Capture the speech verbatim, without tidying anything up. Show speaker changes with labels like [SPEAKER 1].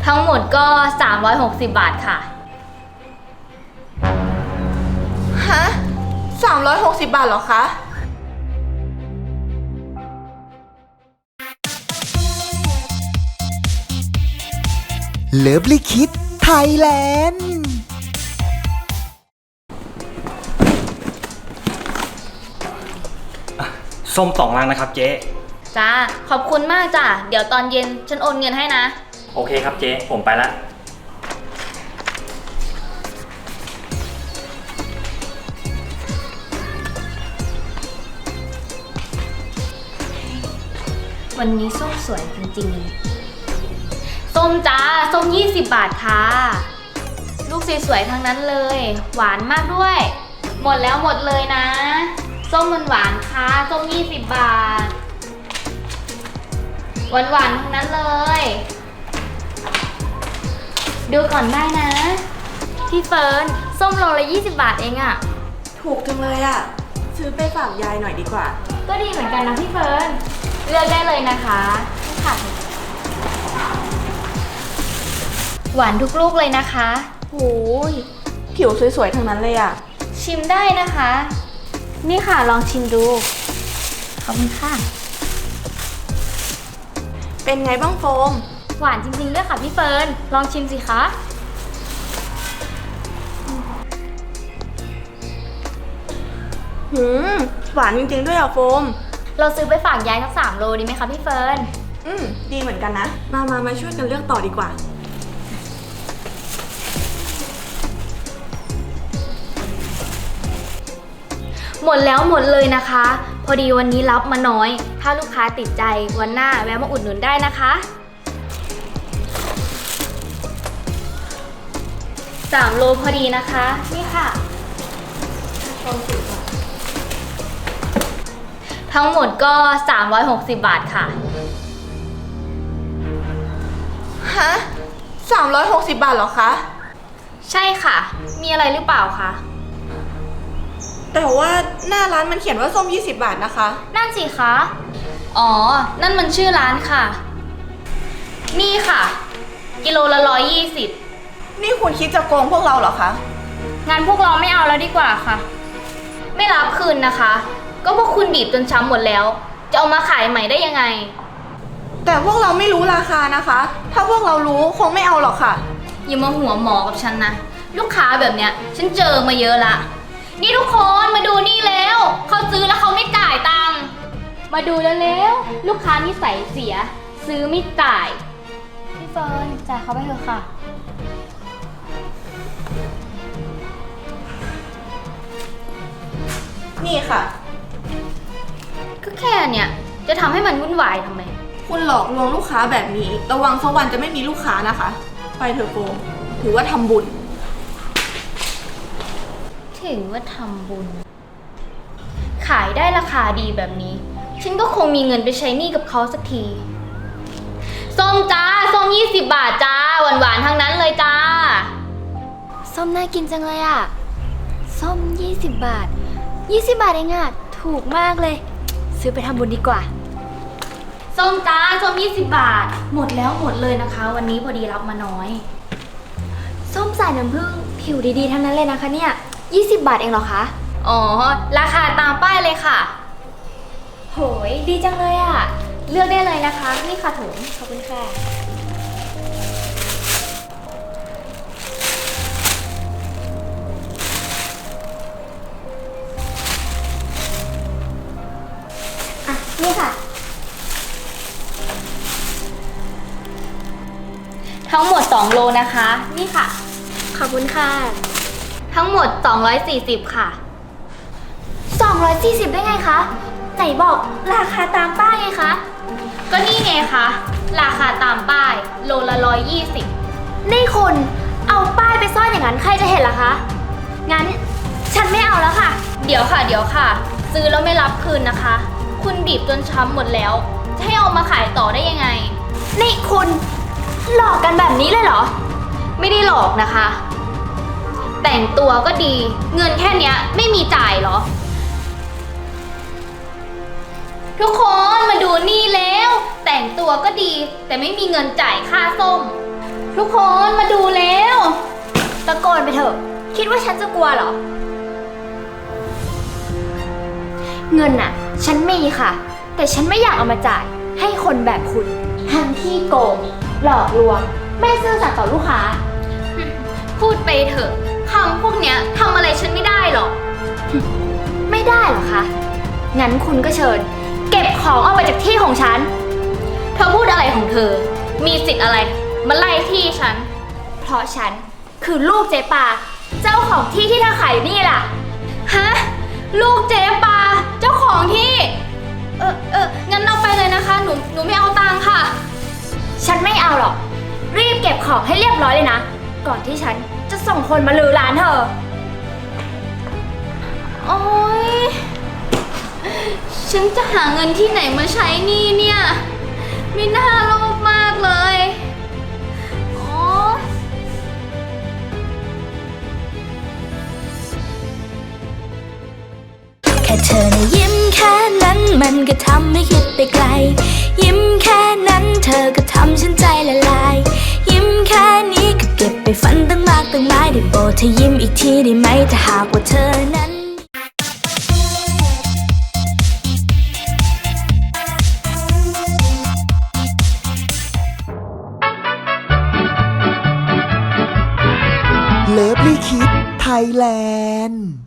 [SPEAKER 1] ทั้งหมดก็สามร้อยหกสิบบาทค่ะ
[SPEAKER 2] ฮะสามร้อยหกสิบบาทเหรอคะ
[SPEAKER 3] เลิฟลิคิดไทยแลนด์
[SPEAKER 4] ส้มสองลังนะครับเจ๊
[SPEAKER 1] จ้าขอบคุณมากจ้ะเดี๋ยวตอนเย็นฉันโอนเงินให้นะ
[SPEAKER 4] โอเคครับเจ๊ผมไปละ
[SPEAKER 1] วันนี้ส้มสวยจริงๆส้มจ้าส้มยี่สิบบาทค่ะลูกสวยๆทั้งนั้นเลยหวานมากด้วยหมดแล้วหมดเลยนะส้มมันหวานค่ะส้มยี่สิบบาทหวานหวานทั้งนั้นเลยดูก่อนได้นะพี่เฟิร์นส้มโลละยี่สิบบาทเองอะ
[SPEAKER 2] ถูกจังเลยอะซื้อไปฝากยายหน่อยดีกว่า
[SPEAKER 1] ก็ดีเหมือนกันนะพี่เฟิร์นเลือกได้เลยนะคะค่ะหวานทุกลูกเลยนะคะ
[SPEAKER 2] โอ้ยผิวสวยๆทั้งนั้นเลยอะ
[SPEAKER 1] ชิมได้นะคะนี่ค่ะลองชิมดูขอบคุณค่ะ
[SPEAKER 2] เป็นไงบ้างโฟม
[SPEAKER 1] หวานจริงๆด้วยค่ะพี่เฟิร์นลองชิมสิคะ
[SPEAKER 2] หืมหวานจริงๆด้วยอะโฟม
[SPEAKER 1] เราซื้อไปฝากยายสักสามโลดีไหมคะพี่เฟิร์น
[SPEAKER 2] อืมดีเหมือนกันนะมามามาช่วยกันเลือกต่อดีกว่า
[SPEAKER 1] หมดแล้วหมดเลยนะคะพอดีวันนี้รับมาน้อยถ้าลูกค้าติดใจวันหน้าแวะมาอุดหนุนได้นะคะสามโลพอดีนะคะนี่ค่ะทั้งหมดก็สามร้อยหกสิบบาทค่ะ
[SPEAKER 2] ฮะสามร้อยหกสิบบาทเหรอคะ
[SPEAKER 1] ใช่ค่ะมีอะไรหรือเปล่าคะ
[SPEAKER 2] แต่ว่าหน้าร้านมันเขียนว่าส้มยี่สิบบาทนะคะ
[SPEAKER 1] นั่นสิคะอ๋อนั่นมันชื่อร้านค่ะนี่ค่ะกิโลละร้อยยี่สิบ
[SPEAKER 2] นี่คุณคิดจะโกงพวกเราเหรอคะ
[SPEAKER 1] งานพวกเราไม่เอาแล้วดีกว่าค่ะไม่รับคืนนะคะก็พวกคุณบีบจนช้ำหมดแล้วจะเอามาขายใหม่ได้ยังไง
[SPEAKER 2] แต่พวกเราไม่รู้ราคานะคะถ้าพวกเรารู้คงไม่เอาหรอกค่ะ
[SPEAKER 1] อย่ามาหัวหมอกับฉันนะลูกค้าแบบเนี้ยฉันเจอมาเยอะละนี่ทุกคนมาดูนี่แล้วเขาซื้อแล้วเขาไม่จ่ายตังค์มาดูแล้วแล้วลูกค้านิสัยเสียซื้อไม่จ่ายพี่เฟิร์นจ่ายเขาไปเถอะค่ะ
[SPEAKER 2] นี่ค่ะ
[SPEAKER 1] ก็แค่เนี่ยจะทำให้มันวุ่นวายทำไม
[SPEAKER 2] คุณหลอกลวงลูกค้าแบบนี้ระวังสักวันจะไม่มีลูกค้านะคะไปเถอะโฟมถือว่าทำบุญ
[SPEAKER 1] ถือว่าทำบุญขายได้ราคาดีแบบนี้ฉันก็คงมีเงินไปใช้หนี้กับเขาสักทีส้มจ้าส้มยี่สิบบาทจ้าหวานหวานทั้งนั้นเลยจ้าส้มน่ากินจังเลยอ่ะส้มยี่สิบบาทยี่สิบบาทเองอ่ะถูกมากเลยซื้อไปทำบุญดีกว่าส้มจ้าส้มยี่สิบบาทหมดแล้วหมดเลยนะคะวันนี้พอดีรับมาน้อยส้มสายน้ำผึ้งผิวดีๆทั้งนั้นเลยนะคะเนี่ยยี่สิบบาทเองเหรอคะอ๋อราคาตามป้ายเลยค่ะโหยดีจังเลยอ่ะเลือกได้เลยนะคะนี่ค่ะถุงขอบคุณค่ะอ่ะนี่ค่ะทั้งหมดสองโลนะคะนี่ค่ะขอบคุณค่ะทั้งหมดสองร้อยสี่สิบค่ะสองร้อยสี่สิบได้ไงคะไหนบอกราคาตามป้ายไงคะก็นี่ไงคะราคาตามป้ายโลละร้อยยี่สิบนี่คุณเอาป้ายไปซ่อนอย่างนั้นใครจะเห็นล่ะคะงั้นฉันไม่เอาแล้วค่ะเดี๋ยวค่ะเดี๋ยวค่ะซื้อแล้วไม่รับคืนนะคะคุณบีบจนช้ำหมดแล้วจะให้เอามาขายต่อได้ยังไงนี่คุณหลอกกันแบบนี้เลยเหรอไม่ได้หลอกนะคะแต่งตัวก็ดีเงินแค่เนี้ยไม่มีจ่ายเหรอทุกคนมาดูนี่แล้วแต่งตัวก็ดีแต่ไม่มีเงินจ่ายค่าส้มทุกคนมาดูแล้วตะโกนไปเถอะ คิดว่าฉันจะกลัวเหรอ เงินน่ะ ฉันมีค่ะ แต่ฉันไม่อยากเอามาจ่ายให้คนแบบคุณทั้งที่โกง หลอกลวง ไม่ซื่อสัตย์ต่อลูกค้า พูดไปเถอะคำพวกเนี้ยทำอะไรฉันไม่ได้หรอก ไม่ได้เหรอคะ งั้นคุณก็เชิญ เก็บของออกไปจากที่ของฉัน เธอพูดอะไรของเธอ มีสิทธิ์อะไร มาไล่ที่ฉัน เพราะฉันคือลูกเจ๊ปา เจ้าของที่ที่เธอขายอยู่นี่ล่ะ ฮะ ลูกเจ๊ปา เจ้าของที่ เออเอองั้นเอาไปเลยนะคะ หนู หนูไม่เอาตังค่ะ ฉันไม่เอาหรอก รีบเก็บของให้เรียบร้อยเลยนะ ก่อนที่ฉันจะส่งคนมาลือร้านเธอ โอ๊ย ฉันจะหาเงินที่ไหนมาใช้หนี่เนี่ย ไม่น่าโลภมากเลยโอ๊ย
[SPEAKER 5] แค่เธอนะยิ้มแค่นั้นมันก็ทำให้คิดไปไกล ยิ้มแค่นั้นเธอก็ทำฉันใจละลาย ยิ้มแค่นี้ก็เก็บไปฝันตั้งมากตั้งหลายได้โปรดเธอยิ้มอีกทีได้ไหมถ้าหากว่าเธอนั้น
[SPEAKER 3] เลิฟลี่คิดไทยแลนด์